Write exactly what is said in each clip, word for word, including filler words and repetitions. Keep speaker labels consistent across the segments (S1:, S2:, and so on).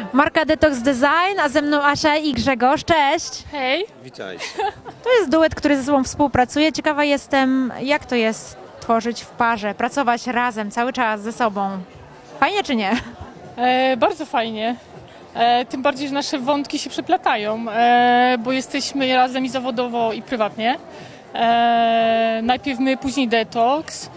S1: Marka Detox Design, a ze mną Asia i Grzegorz. Cześć!
S2: Hej!
S3: Witajcie.
S1: To jest duet, który ze sobą współpracuje. Ciekawa jestem, jak to jest tworzyć w parze, pracować razem, cały czas ze sobą. Fajnie czy nie?
S2: E, bardzo fajnie. E, tym bardziej, że nasze wątki się przeplatają, e, bo jesteśmy razem i zawodowo, i prywatnie. E, najpierw my, później detoks.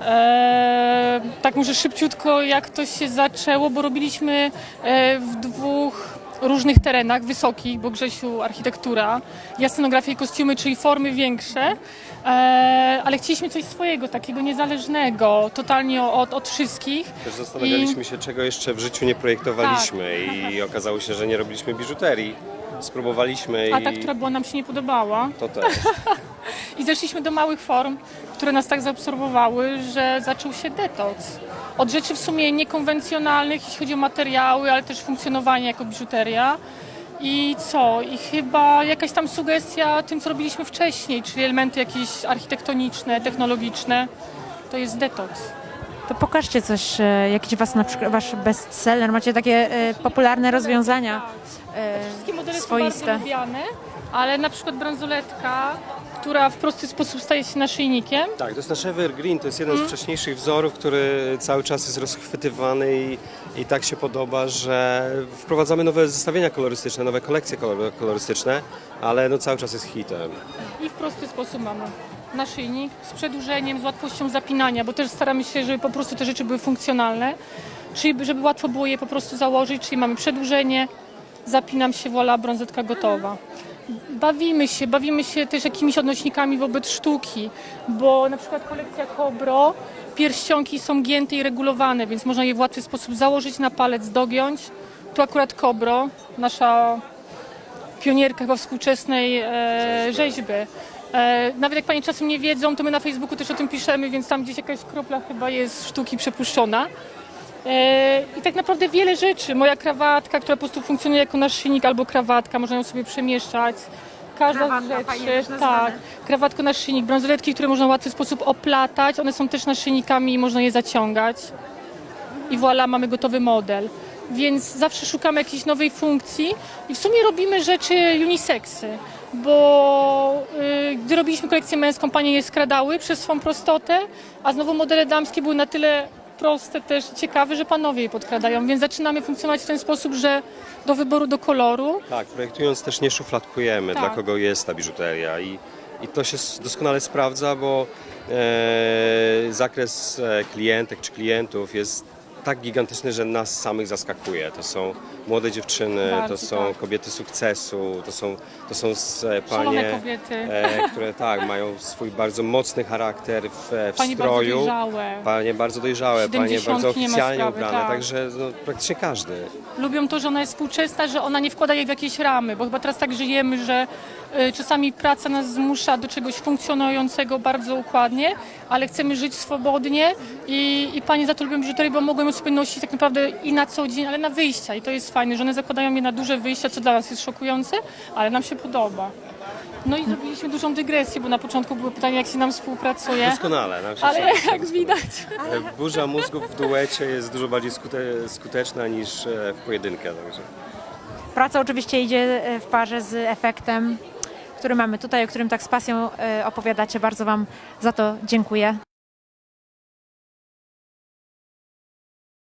S2: E, tak może szybciutko, jak to się zaczęło, bo robiliśmy e, w dwóch różnych terenach, wysokich, bo Grzesiu architektura, ja scenografię i kostiumy, czyli formy większe, e, ale chcieliśmy coś swojego, takiego niezależnego, totalnie od, od wszystkich.
S3: Też zastanawialiśmy się, czego jeszcze w życiu nie projektowaliśmy i okazało się, że nie robiliśmy biżuterii. Spróbowaliśmy
S2: A
S3: i
S2: ta, która była, nam się nie podobała.
S3: to też.
S2: I zeszliśmy do małych form, które nas tak zaabsorbowały, że zaczął się detoks. Od rzeczy w sumie niekonwencjonalnych, jeśli chodzi o materiały, ale też funkcjonowanie jako biżuteria. I co? I chyba jakaś tam sugestia tym, co robiliśmy wcześniej, czyli elementy jakieś architektoniczne, technologiczne. To jest detoks.
S1: To pokażcie coś, e, jakiś was, na przykład, wasz bestseller. Macie takie e, popularne rozwiązania e,
S2: Wszystkie modele są
S1: swoiste.
S2: bardzo lubiane, ale na przykład bransoletka, która w prosty sposób staje się naszyjnikiem.
S3: Tak, to jest nasz Evergreen, to jest jeden z wcześniejszych wzorów, który cały czas jest rozchwytywany i, i tak się podoba, że wprowadzamy nowe zestawienia kolorystyczne, nowe kolekcje kolor- kolorystyczne, ale no cały czas jest hitem.
S2: I w prosty sposób mamy naszyjnik z przedłużeniem, z łatwością zapinania, bo też staramy się, żeby po prostu te rzeczy były funkcjonalne, czyli żeby łatwo było je po prostu założyć, czyli mamy przedłużenie, zapinam się, voilà, brązetka gotowa. Bawimy się, bawimy się też jakimiś odnośnikami wobec sztuki, bo na przykład kolekcja Kobro, pierścionki są gięte i regulowane, więc można je w łatwy sposób założyć na palec, dogiąć. Tu akurat Kobro, nasza pionierka chyba współczesnej e, rzeźby. E, nawet jak Panie czasem nie wiedzą, to my na Facebooku też o tym piszemy, więc tam gdzieś jakaś kropla chyba jest sztuki przepuszczona. E, I tak naprawdę wiele rzeczy. Moja krawatka, która po prostu funkcjonuje jako naszyjnik albo krawatka, można ją sobie przemieszczać. Każda
S1: Krawatka,
S2: z
S1: fajnie też
S2: rzeczy,
S1: nazwane.
S2: tak, krawatko naszyjnik, bransoletki, które można w łatwy sposób oplatać, one są też naszyjnikami i można je zaciągać. I voilà, mamy gotowy model. Więc zawsze szukamy jakiejś nowej funkcji i w sumie robimy rzeczy uniseksy, bo y, gdy robiliśmy kolekcję męską, panie je skradały przez swą prostotę, a znowu modele damskie były na tyle proste też i ciekawe, że panowie je podkradają, więc zaczynamy funkcjonować w ten sposób, że do wyboru, do koloru.
S3: Tak, projektując też nie szufladkujemy,
S2: Tak.
S3: dla kogo jest ta biżuteria i, i to się s- doskonale sprawdza, bo e, zakres e, klientek czy klientów jest tak gigantyczny, że nas samych zaskakuje. To są młode dziewczyny,
S2: Bardzo,
S3: to są
S2: tak.
S3: kobiety sukcesu, to są, to są s- e,
S2: Szalone
S3: panie,
S2: kobiety.
S3: e, które tak, mają swój bardzo mocny charakter w, e, w
S2: Panie bardzo
S3: stroju.
S2: dojrzałe.
S3: Panie bardzo dojrzałe, panie
S2: siedemdziesiątki
S3: bardzo
S2: nie ma
S3: oficjalnie
S2: sprawy,
S3: ubrane,
S2: tak.
S3: także no, praktycznie każdy.
S2: Lubią to, że ona jest współczesna, że ona nie wkłada jej w jakieś ramy, bo chyba teraz tak żyjemy, że y, czasami praca nas zmusza do czegoś funkcjonującego bardzo układnie, ale chcemy żyć swobodnie i, i panie za to lubią biżuterię, bo mogą ją sobie nosić tak naprawdę i na co dzień, ale na wyjścia i to jest fajne, że one zakładają je na duże wyjścia, co dla nas jest szokujące, ale nam się podoba. No i zrobiliśmy dużą dygresję, bo na początku były pytania, jak się nam współpracuje,
S3: Doskonale. Nam się
S2: ale
S3: wszyscy
S2: jak
S3: doskonale.
S2: widać,
S3: Burza mózgów w duecie jest dużo bardziej skute, skuteczna niż e, w pojedynkę. Także.
S1: Praca oczywiście idzie e, w parze z efektem, który mamy tutaj, o którym tak z pasją e, opowiadacie. Bardzo wam za to dziękuję.